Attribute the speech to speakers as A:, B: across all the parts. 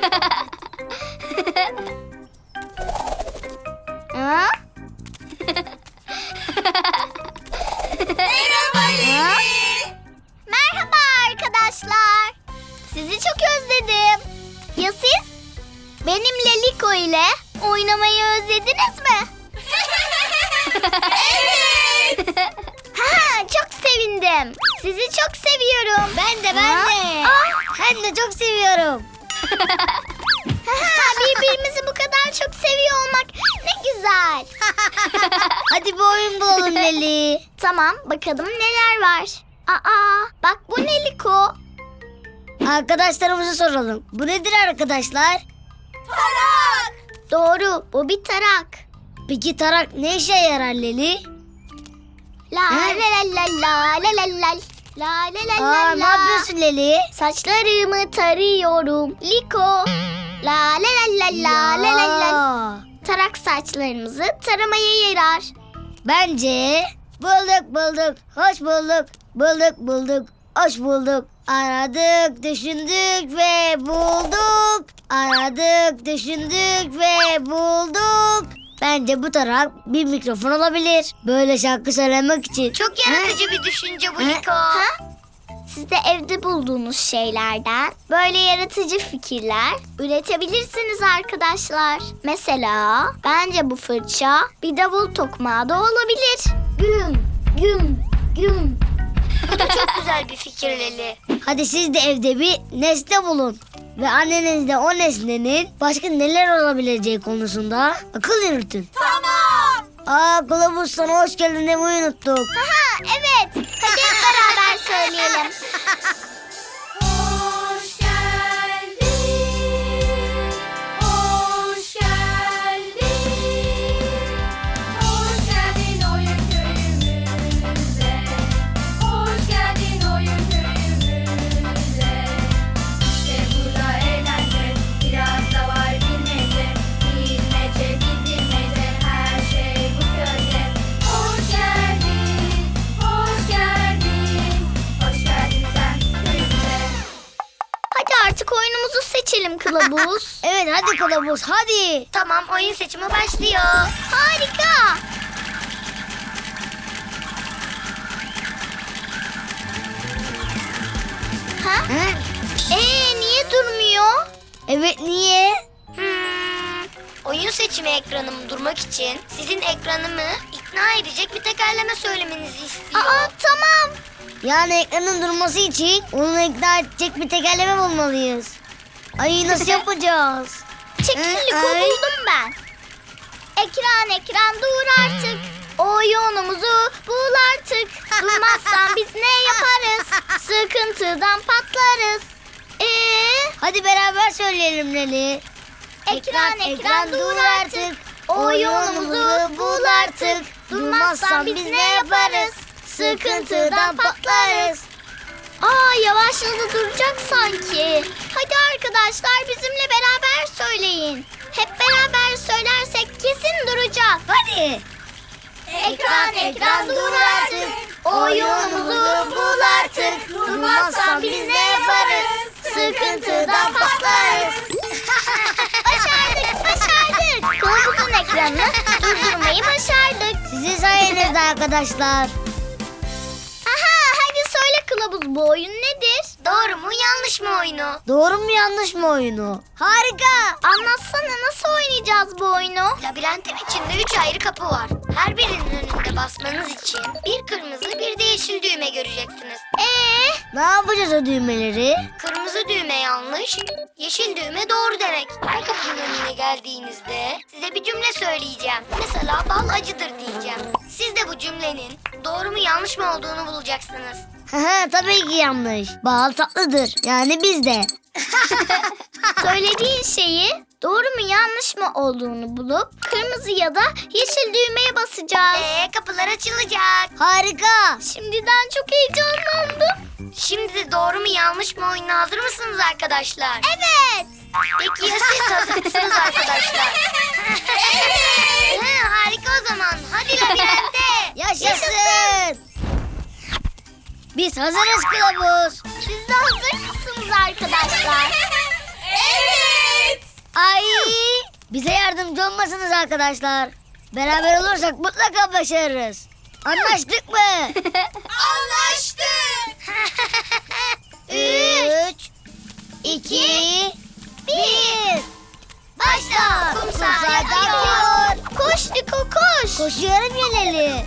A: Ha?
B: Merhaba Leli.
A: Merhaba arkadaşlar. Sizi çok özledim. Ya siz? Benimle Liko ile oynamayı özlediniz mi?
B: Evet.
A: Ha, çok sevindim. Sizi çok seviyorum.
B: Ben de.
A: Ben de çok seviyorum. Birbirimizi bu kadar çok seviyor olmak ne güzel.
B: Hadi bir oyun bulalım Leli.
A: Tamam, bakalım neler var. Bak bu ne Liko?
B: Arkadaşlarımıza soralım. Bu nedir arkadaşlar?
A: Tarak. Doğru, bu bir tarak.
B: Peki tarak ne işe yarar Leli?
A: La la la la la la la la la la la
B: Ne yapıyorsun Leli?
A: Saçlarımı tarıyorum Liko. La la la la la la la la. Tarak saçlarımızı taramaya yarar.
B: Bence bulduk, hoş bulduk. Bulduk, hoş bulduk. Aradık, düşündük ve bulduk. Aradık, düşündük ve bulduk. Bence bu tarak bir mikrofon olabilir. Böyle şarkı söylemek için.
A: Çok yaratıcı bir düşünce bu Liko. Siz de evde bulduğunuz şeylerden böyle yaratıcı fikirler üretebilirsiniz arkadaşlar. Mesela bence bu fırça bir davul tokmağı da olabilir. Güm güm güm. Bu da çok güzel bir fikir Leli.
B: Hadi siz de evde bir nesne bulun. Ve anneniz de o nesnenin başka neler olabileceği konusunda akıl yürütün.
A: Tamam.
B: Kılavuz sana hoş geldin demeyi unuttuk.
A: Evet. Hadi hep beraber söyleyelim.
C: Hoş geldin, hoş geldin, hoş geldin oyun köyümüze, hoş geldin oyun köyümüze. İşte burada eğlence, biraz da var bilmece, bilmece, bilmece, her şey bu köyde. Hoş geldin, hoş geldin, hoş geldin sen köyümüze.
A: Hadi artık oyunumuzu seçelim kılavuz.
B: Evet hadi kılavuz hadi.
A: Tamam, oyun seçimi başlıyor. Harika. Ha? Niye durmuyor?
B: Evet niye?
A: Oyun seçimi ekranım durmak için sizin ekranımı ikna edecek bir tekerleme söylemenizi istiyor. Tamam.
B: Yani ekranın durması için onu ikna edecek bir tekerleme bulmalıyız. Ay nasıl yapacağız?
A: Çekil Liko, buldum ben. Ekran dur artık. Oyunumuzu bul artık. Durmazsan biz ne yaparız? Sıkıntıdan patlarız.
B: Hadi beraber söyleyelim Leli.
A: Ekran dur artık. Oyunumuzu bul artık. Durmazsan biz ne yaparız? Sıkıntıdan patlarız. Yavaşladı, duracak sanki. Hadi arkadaşlar bizimle beraber söyleyin. Hep beraber söylersek kesin duracak.
B: Hadi.
A: Ekran dur artık. Oyunumuzu bul artık. Durmazsan biz ne yaparız? Sıkıntıdan patlarız. Başardık. Kılavuzun ekranını durdurmayı başardık.
B: Sizin sayenizde arkadaşlar.
A: Hadi söyle kılavuz, bu oyun nedir? Doğru mu yanlış mı oyunu?
B: Doğru mu yanlış mı oyunu? Harika.
A: Anlatsana, nasıl oynayacağız bu oyunu? Labirentin içinde 3 ayrı kapı var. Her birinin önünde basmanız için bir kırmızı bir de yeşil düğme göreceksiniz.
B: Ne yapacağız o düğmeleri?
A: Kırmızı düğme yanlış, yeşil düğme doğru demek. Her kapının önüne geldiğinizde size bir cümle söyleyeceğim. Mesela bal acıdır diyeceğim. Siz de bu cümlenin doğru mu yanlış mı olduğunu bulacaksınız.
B: Tabii ki yanlış. Bal tatlıdır. Yani biz de.
A: Söylediğin şeyi doğru mu yanlış mı olduğunu bulup kırmızı ya da yeşil düğmeye basacağız. Kapılar açılacak.
B: Harika.
A: Şimdiden çok heyecanlandım. Şimdi de doğru mu yanlış mı oyununa hazır mısınız arkadaşlar? Evet. Peki ya siz hazır mısınız arkadaşlar? Evet. Harika o zaman. Hadi labirente.
B: Yaşasın. Biz hazırız kılavuz.
A: Siz de hazır mısınız arkadaşlar?
C: Evet.
B: yardımcı olmasınız arkadaşlar. Beraber olursak mutlaka başarırız. Anlaştık mı?
C: Anlaştık.
B: 3, 2, 1.
A: Başla.
B: Kum
A: Kum
B: saati
A: saati
B: akıyor.
A: akıyor. Koş Liko koş.
B: Koşuyorum Yeleli.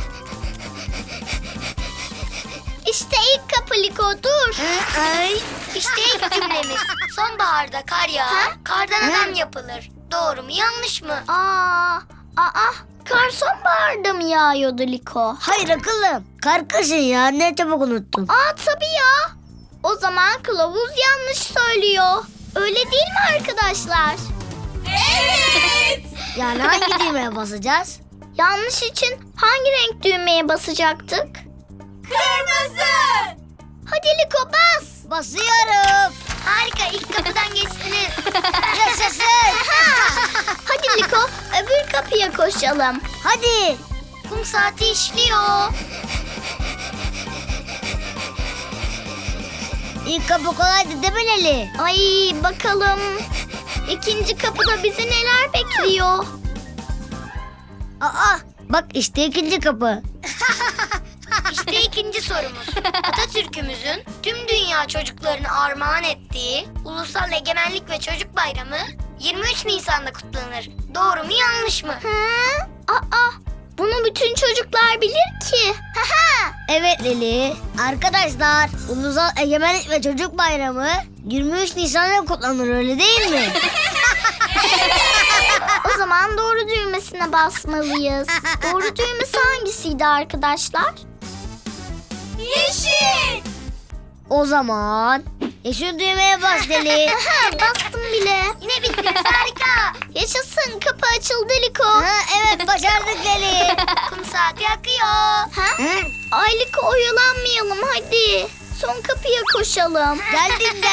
A: İşte ilk kapı Liko dur.
B: Ay.
D: İşte ilk cümlemiz. Sonbaharda kar yağar, kardan adam yapılır. Doğru mu yanlış mı?
A: Kar sonbaharda mı yağıyordu Liko?
B: Hayır akıllım. Kar kışın ya, ne çabuk unuttun.
A: Tabii ya. O zaman kılavuz yanlış söylüyor. Öyle değil mi arkadaşlar?
C: Evet.
B: Yani hangi düğmeye basacağız?
A: Yanlış için hangi renk düğmeye basacaktık?
C: Kırmızı.
A: Hadi Liko bas.
B: Basıyorum.
D: Harika, ilk kapıdan geçtiniz.
B: Yaşasın.
A: Hadi Liko öbür kapıya koşalım.
B: Hadi.
D: Kum saati işliyor.
B: İlk kapı kolaydı değil mi Leli?
A: Ay bakalım. İkinci kapıda bizi neler bekliyor?
B: Bak işte ikinci kapı.
D: İşte ikinci sorumuz. Atatürk'ümüzün tüm dünya çocuklarını armağan ettiği Ulusal Egemenlik ve Çocuk Bayramı 23 Nisan'da kutlanır. Doğru mu yanlış mı?
A: Bunu bütün çocuklar bilir ki.
B: Evet Leli. Arkadaşlar, Ulusal Egemenlik ve Çocuk Bayramı 23 Nisan'da kutlanır, öyle değil mi?
A: O zaman doğru düğmesine basmalıyız. Doğru düğmesi hangisiydi arkadaşlar?
C: Yeşil.
B: O zaman yeşil düğmeye bas Leli.
A: Bastım bile.
D: Yine bittiniz, harika.
A: Yaşasın, kapı açıldı Liko.
B: Evet, başardık Leli.
D: Kum saati akıyor.
A: Ay Liko oyalanmayalım hadi. Son kapıya koşalım.
B: Geldim.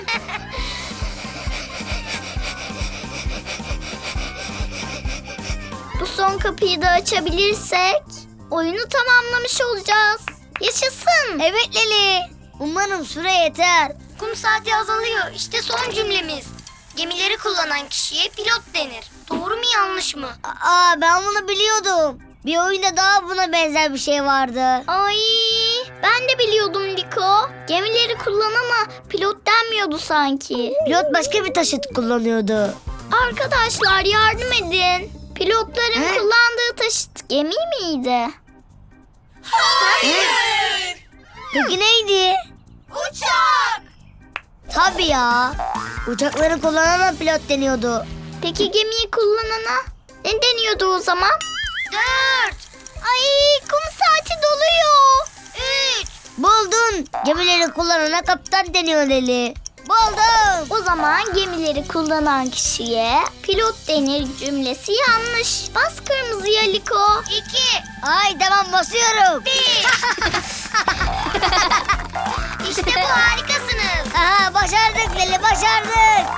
A: Bu son kapıyı da açabilirsek oyunu tamamlamış olacağız. Yaşasın.
B: Evet Leli. Umarım süre yeter.
D: Kum saati azalıyor. İşte son cümlemiz. Gemileri kullanan kişiye pilot denir. Doğru mu yanlış mı?
B: Ben bunu biliyordum. Bir oyunda daha buna benzer bir şey vardı.
A: Ay ben de biliyordum Liko. Gemileri kullanana pilot denmiyordu sanki.
B: Pilot başka bir taşıt kullanıyordu.
A: Arkadaşlar yardım edin. Pilotların kullandığı taşıt gemi miydi?
C: Hayır.
B: Peki neydi?
C: Uçak.
B: Tabii ya. Uçakları kullanana pilot deniyordu.
A: Peki gemiyi kullanana ne deniyordu o zaman?
D: 4,
A: Ay kum saati doluyor.
D: 3.
B: Buldun. Gemileri kullanana kaptan deniyor Leli. Buldum.
A: O zaman gemileri kullanan kişiye pilot denir cümlesi yanlış. Bas kırmızıya Liko.
D: 2,
B: Ay tamam, basıyorum.
D: 1. İşte bu, harikasınız.
B: Aha, başardık Leli, başardık.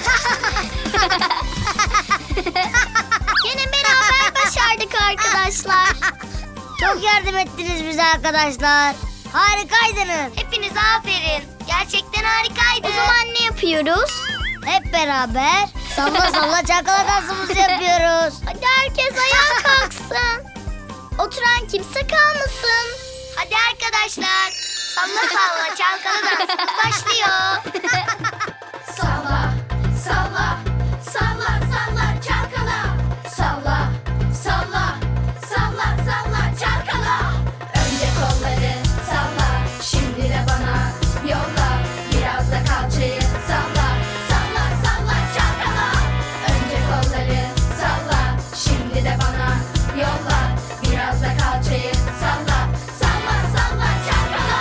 A: Yine beraber başardık arkadaşlar.
B: Çok yardım ettiniz bize arkadaşlar. Harikaydınız.
D: Hepinize aferin. Gerçekten harikaydı.
A: O zaman ne yapıyoruz?
B: Hep beraber salla salla çalkala dansımızı yapıyoruz.
A: Hadi herkes ayağa kalksın. Oturan kimse kalmasın.
D: Hadi arkadaşlar. Salla salla çalkala dansımız başlıyor.
C: Salla, salla, salla, salla, çalkala. Salla, salla, salla, salla, çalkala. Önce kolları salla, şimdi de bana yolla. Biraz da kalçayı salla, salla, salla, çalkala. Önce kolları salla, şimdi de bana yolla. Biraz da kalçayı salla, salla, salla, çalkala.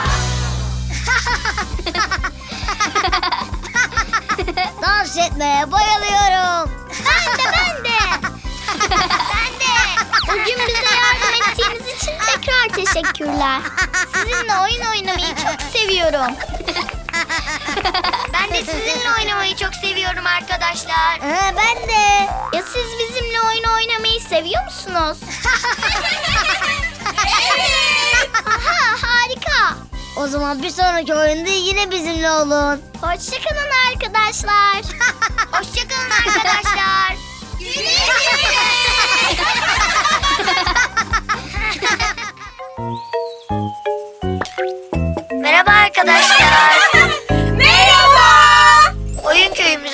B: Dans etmeye bayılıyorum.
A: Ben de.
D: Ben de.
A: Bugün bize yardım ettiğiniz için tekrar teşekkürler. Sizinle oyun oynamayı çok seviyorum.
D: Ben de sizinle oynamayı çok seviyorum arkadaşlar.
B: Ben de.
A: Ya siz bizimle oyun oynamayı seviyor musunuz?
C: Evet.
A: Aha harika.
B: O zaman bir sonraki oyunda yine bizimle olun.
A: Hoşçakalın arkadaşlar.
D: Hoşçakalın arkadaşlar.
C: Güle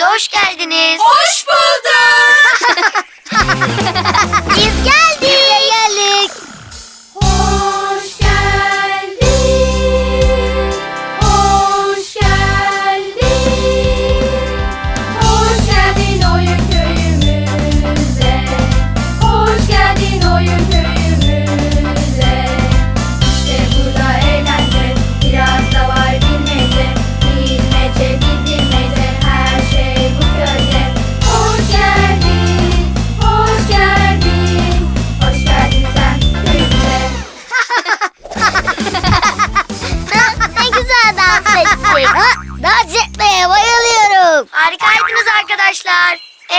D: köyümüze hoş geldiniz.
C: Hoş bulduk.
A: Biz geldik.
B: Geldik.
C: Hoş geldin. Hoş geldin. Hoş geldin oyun köyümüze. Hoş geldin oyun köyümüze. İşte burada eğlence, biraz da var bilmece. Bilmece, bilmece, her şey bu köyde. Hoş geldin, hoş geldin. Hoş geldin sen köyümüze.
A: Ne güzel dans ettik.
B: Ha, dans etmeye bayılıyorum.
D: Harikaydınız arkadaşlar.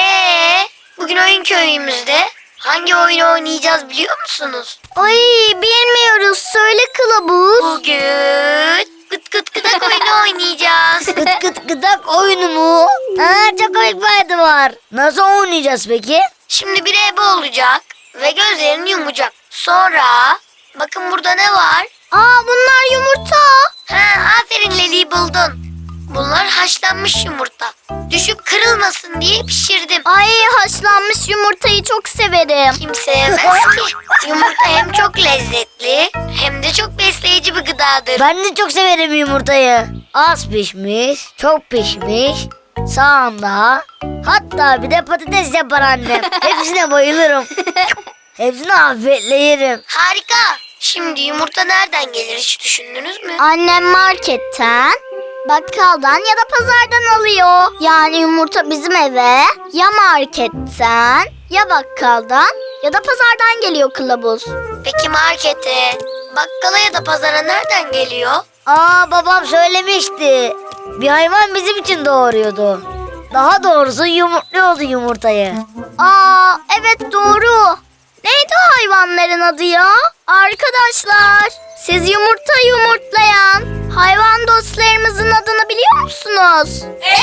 D: Bugün oyun köyümüzde hangi oyunu oynayacağız biliyor musunuz?
A: Ay bilmiyoruz. Söyle kılavuz.
D: Bugün gıt gıt gıdak oyunu oynayacağız.
B: Gıt gıt gıdak oyunu mu? Aa, çok komik bir adı var. Nasıl oynayacağız peki?
D: Şimdi bir ebe olacak ve gözlerini yumacak. Sonra bakın burada ne var?
A: Aa bunlar yumurta.
D: Aferin Leli, buldun. Bunlar haşlanmış yumurta. Düşüp kırılmasın diye pişirdim.
A: Ay haşlanmış yumurtayı çok severim.
D: Kim sevmez ki? Yumurta hem çok lezzetli hem de çok besleyici bir gıdadır.
B: Ben de çok severim yumurtayı. Az pişmiş, çok pişmiş, sağında. Hatta bir de patates yapar annem. Hepsine bayılırım. Hepsini afiyetle yerim.
D: Harika. Şimdi yumurta nereden gelir hiç düşündünüz mü?
A: Annem marketten, bakkaldan ya da pazardan alıyor. Yani yumurta bizim eve ya marketten ya bakkaldan ya da pazardan geliyor kılavuz.
D: Peki markete, bakkala ya da pazara nereden geliyor?
B: Aa, babam söylemişti. Bir hayvan bizim için doğuruyordu. Daha doğrusu yumurtluyordu yumurtayı.
A: Aa evet doğru. Neydi o hayvanların adı ya? Arkadaşlar siz yumurta yumurtlayan hayvan dostlarımızın adını biliyor musunuz?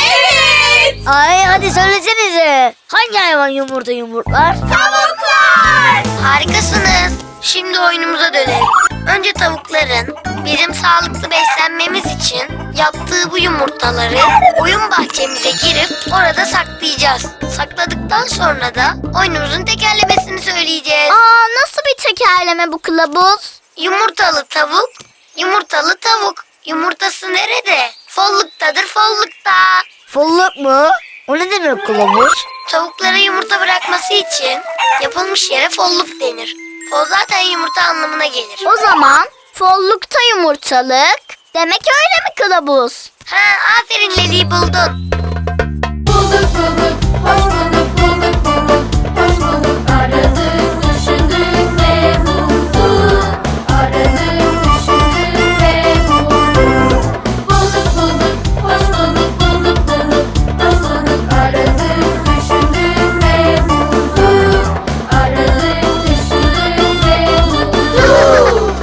C: Evet.
B: Ay, hadi söylesenize. Hangi hayvan yumurta yumurtlar?
C: Tavuklar.
D: Harikasınız. Şimdi oyunumuza dönelim. Önce tavukların bizim sağlıklı beslenmemiz için yaptığı bu yumurtaları oyun bahçemize girip orada saklayacağız. Sakladıktan sonra da oyunumuzun tekerlemesini söyleyeceğiz.
A: Aa nasıl bir tekerleme bu kılavuz?
D: Yumurtalı tavuk, yumurtalı tavuk. Yumurtası nerede? Folluktadır, follukta.
B: Folluk mu? O ne demek kılavuz?
D: Tavuklara yumurta bırakması için yapılmış yere folluk denir. Fol zaten yumurta anlamına gelir.
A: O zaman follukta yumurtalık demek öyle mi kılavuz?
D: Aferin Leli, buldun.
C: Bulduk bulduk, hoş bulduk, bulduk bulduk, hoş bulduk. Aradık, düşündük ve bulduk. Aradık, düşündük ve bulduk. Bulduk bulduk, hoş bulduk, bulduk bulduk, hoş bulduk. Aradık, düşündük ve bulduk. Aradık, düşündük ve bulduk.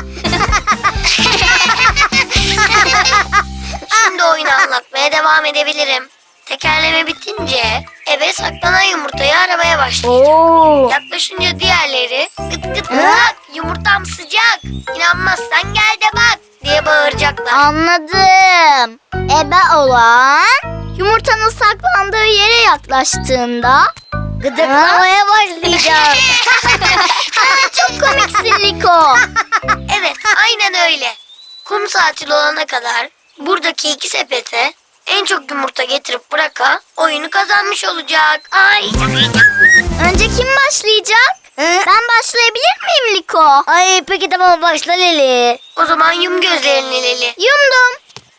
D: Şimdi oyunu anlatmaya devam edebilirim. Tekerleme bitince ebe saklanan yumurtayı aramaya başlayacak.
B: Oo.
D: Yaklaşınca diğerleri gıt gıt gıdak yumurtam sıcak, İnanmazsan gel de bak diye bağıracaklar.
A: Anladım. Ebe olan yumurtanın saklandığı yere yaklaştığında
B: Gıdıklamaya başlayacağım.
A: çok komiksin Liko.
D: Evet, aynen öyle. Kum saati olana kadar buradaki iki sepete en çok yumurta getirip bırakan oyunu kazanmış olacak. Ay.
A: Önce kim başlayacak? Ben başlayabilir miyim Liko?
B: Ay, peki tamam, başla Leli.
D: O zaman yum gözlerini Leli.
A: Yumdum.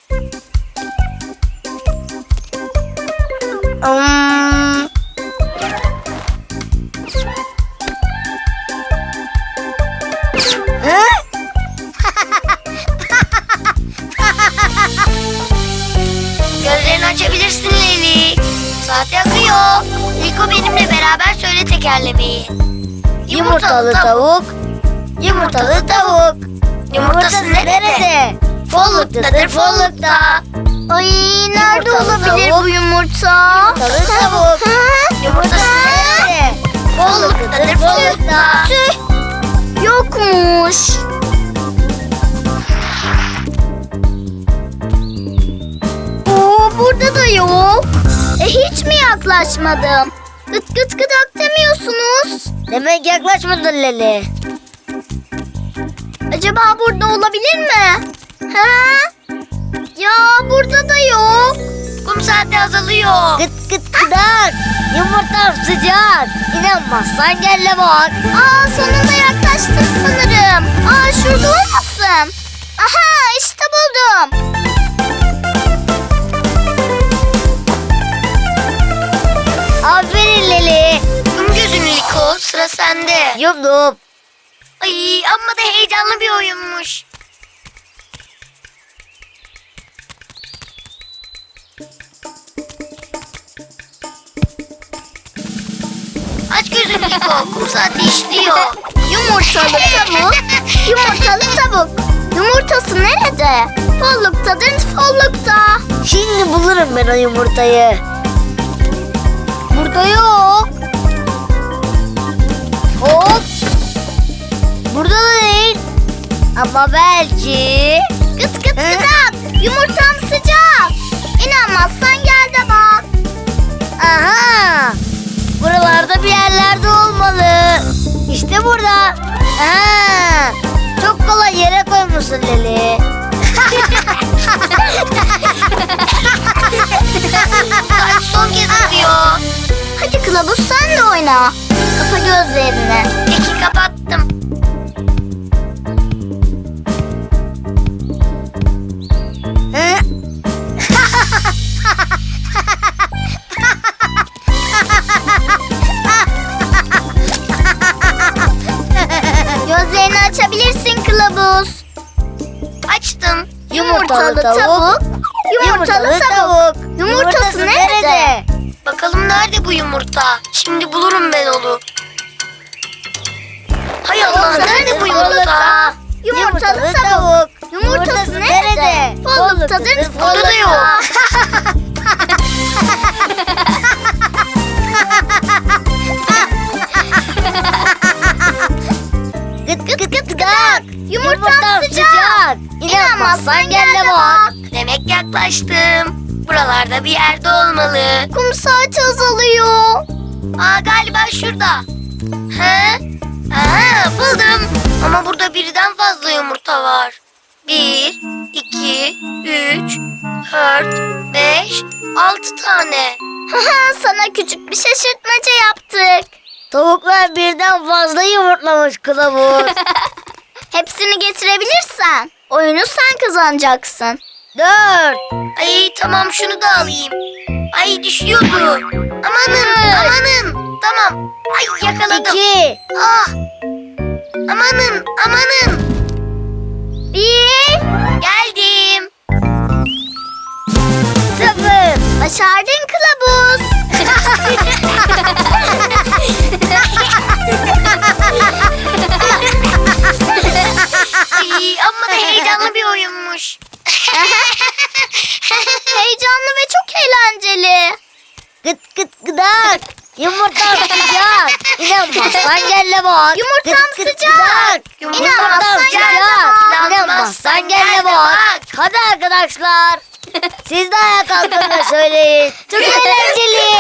B: Hmm. Hı?
D: Gözlerini açabilirsin Leli. Saat yakıyor. Liko benimle beraber söyle tekerlemeyi.
B: Yumurtalı tavuk. Yumurtalı tavuk.
D: Yumurtası nerede?
B: Folluktadır, follukta.
A: Ay nerede
B: Yumurtalı
A: olabilir
B: tavuk.
A: bu yumurta?
B: Yumurtalı tavuk.
D: Yumurtası
B: Nerede? Folluktadır, follukta.
A: Tüh. Yokmuş. Oo burada da yok. yaklaşmadım. Gıt gıt gıdak demiyorsunuz.
B: Demek yaklaşmadın Leli.
A: Acaba burada olabilir mi? Ha? Ya burada da yok.
D: Kum saati azalıyor.
B: Gıt gıt gıdak. Yumurtam sıcak. İnanmazsan gel de bak.
A: Aa, sonunda yaklaştım sanırım. Aa, şurada olmasın. Aha, işte buldum.
B: Aferin Leli.
D: Kum gözünü Liko, sıra sende.
B: Yumdum.
D: Ay, amma da heyecanlı bir oyunmuş. Aç gözünü Liko, kum saati işliyor.
A: Yumurtalı tavuk. Yumurtalı tavuk. Yumurtası nerede? Folluktadır, follukta.
B: Şimdi bulurum ben o yumurtayı.
A: Burada yok.
B: Hop. Burada da değil. Ama belki.
A: Gıt gıt gıdak. Yumurtam sıcak. İnanmazsan gel de bak.
B: Aha. Buralarda bir yerlerde olmalı. İşte burada. Aha. Çok kolay yere koymuşsun Leli.
D: Saat son kez atıyor.
A: Hadi kılavuz sen de oyna. Kapa gözlerini.
D: Peki, kapattım.
B: Hı?
A: Gözlerini açabilirsin kılavuz.
D: Açtım.
B: Yumurtalı tavuk.
A: Yumurtalı tavuk. Yumurtası nerede?
D: Bakalım nerede bu yumurta? Şimdi bulurum ben onu. Hay Allah, nerede bu yumurta?
A: Yumurtalı tavuk. Yumurtası nerede? Folluktadır,
D: Burada da yok.
A: follukta.
B: Gıt gıt gıt gıdak.
A: Yumurtam sıcak.
B: İnanmazsan gel de bak.
D: Demek yaklaştım. Buralarda bir yerde olmalı.
A: Kum saati azalıyor.
D: Aa, galiba şurada. He? Aha, buldum. Ama burada birden fazla yumurta var. 1, 2, 3, 4, 5, 6 tane.
A: Sana küçük bir şaşırtmaca yaptık.
B: Tavuklar birden fazla yumurtlamış kılavuz.
A: Hepsini getirebilirsen oyunu sen kazanacaksın.
B: 4.
D: Ay, tamam, şunu da alayım. Ay, düşüyordu. Amanın, amanın. Tamam. Ay, yakaladım.
B: 2.
D: Ah. Amanın, amanın.
A: 1.
D: Geldim.
A: 0. Başardın kılavuz.
D: Ay, amma da heyecanlı bir oyunmuş.
A: Heyecanlı ve çok eğlenceli.
B: Gıt gıt gıdak. Yumurtam sıcak. İnanmazsan gel de bak.
A: Yumurtam
B: Gıt gıt
A: sıcak.
B: gıdak.
A: İnanmazsan
B: Yumurtam
A: gel de
B: sıcak.
A: bak.
B: İnanmazsan gel de bak. Hadi arkadaşlar. Siz de ayağa kalkın ve söyleyin. Çok eğlenceli.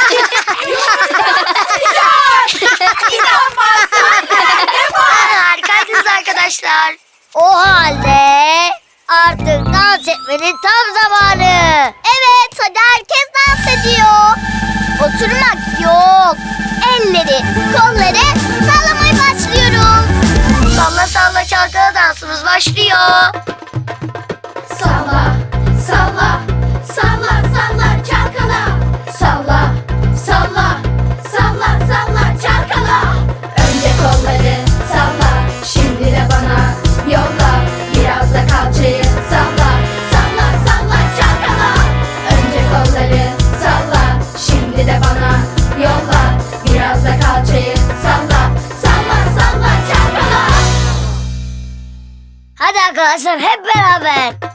D: Harikaydınız arkadaşlar.
B: O halde artık dans etmenin tam zamanı.
A: Evet, hadi herkes dans ediyor. Oturmak yok. Elleri, kolları sallamaya başlıyoruz.
D: Salla salla çalkala dansımız başlıyor.
C: Salla, salla, salla, salla, çalkala. Salla, salla, salla, salla, çalkala. Önce kolları salla, şimdi de bana yolla. Biraz da kalçayı salla, salla, salla, çalkala. Önce kolları salla, şimdi de bana yolla. Biraz da kalçayı salla, salla, salla, çalkala.
B: Hadi arkadaşlar hep beraber.